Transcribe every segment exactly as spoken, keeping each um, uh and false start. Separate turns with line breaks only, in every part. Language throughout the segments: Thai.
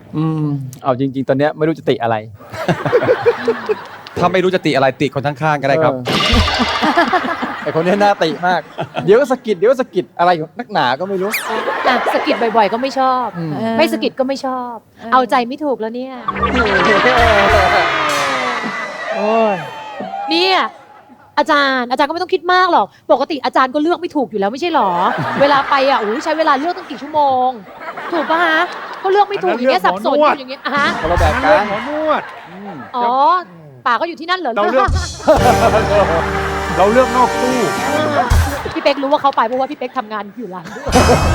อืมเอาจริงๆตอนเนี้ยไม่รู้จะติอะไร
ถ้าไม่รู้จะติอะไรติคนข้างๆก็ได้ครับ
เออ ไอคนเนี้ยน่าติมาก เดี๋ยวก็สะกิดเดี๋ยวก็สะกิดอะไรของนักหนาก็ไม่รู้
อ่ะสะกิดบ่อยๆก็ไม่ชอบ
อืม
ไม่สะกิดก็ไม่ชอบ เอาใจไม่ถูกแล้วเนี่ย
โอ้ย
เนี่ยอาจารย์อาจารย์ก็ไม่ต้องคิดมากหรอกปกติอาจารย์ก็เลือกไม่ถูกอยู่แล้วไม่ใช่หรอ เวลาไปอ่ะโอ้ยใช้เวลาเลือกตั้งกี่ชั่วโมง ถูกปะฮะก็เลือกไม่ถูกอย่างเงี้ยสับสนอยู่อย่างเงี้ยอ่ะฮะ
คนละแบบ
เรื่
กั
อง
น
หมอนวด
อืม
อ๋อป่าก็อยู่ที่นั่นเหรอ
เราเลือก เราเลือกนอกตู้
พี่เป๊กรู้ว่าเขาไปเพราะว่าพี่เป๊กทำงานอยู่ร้านด้วย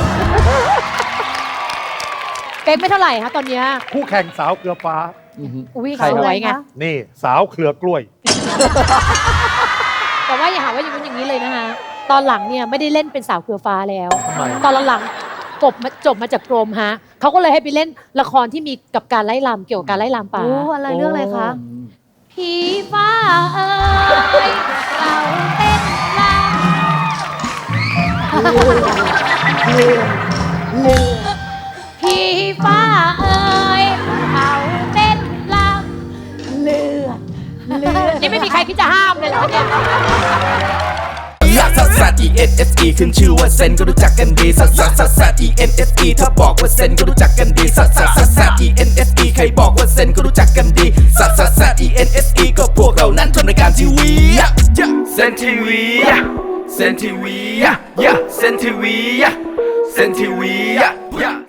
เป๊กไม่เท่าไหร่ฮะตอนเนี้ย
คู่แข่งสาวเกลือฟ้า
อือฮึ
อุ้ย
ใคร
ส
ครับ
วยไง
นี่สาวเครือกล้วย
แต่ว่าอย่าหาว่าอย่างนู้นอย่างนี้เลยนะคะตอนหลังเนี่ยไม่ได้เล่นเป็นสาวเครือฟ้าแล้ว
ทำไม
ตอนหลังๆกบมาจบมาจากกรมฮะเขาก็เลยให้ไปเล่นละครที่มีกับการไล่ลำเกี่ยวกับการไล่ลำป่า
โอ้อะไรเรื่องอะไรคะ
ผีฟ้าเอ้ยเราเต้นลำผีฟ้าเอ้ยเขาเต้นลำเลือดเลือดนี่ไม่มีใครคิดจะห้ามเลยเหรอเนี่ย
ลักซัสซัส E N S E ขึ้นชื่อว่าเซนก็รู้จักกันดีซัสซัสซัสซัส E N S E ถ้าบอกว่าเซนก็รู้จักกันดีซัสซัสซัสซัส E N S E ใครบอกว่าเซนก็รู้จักกันดีซัสซัสซัส E N S E ก็พวกเรานั้นทำรายการทีวีเซนทีวีเซนทีวีเซนทีวีเซนทีวี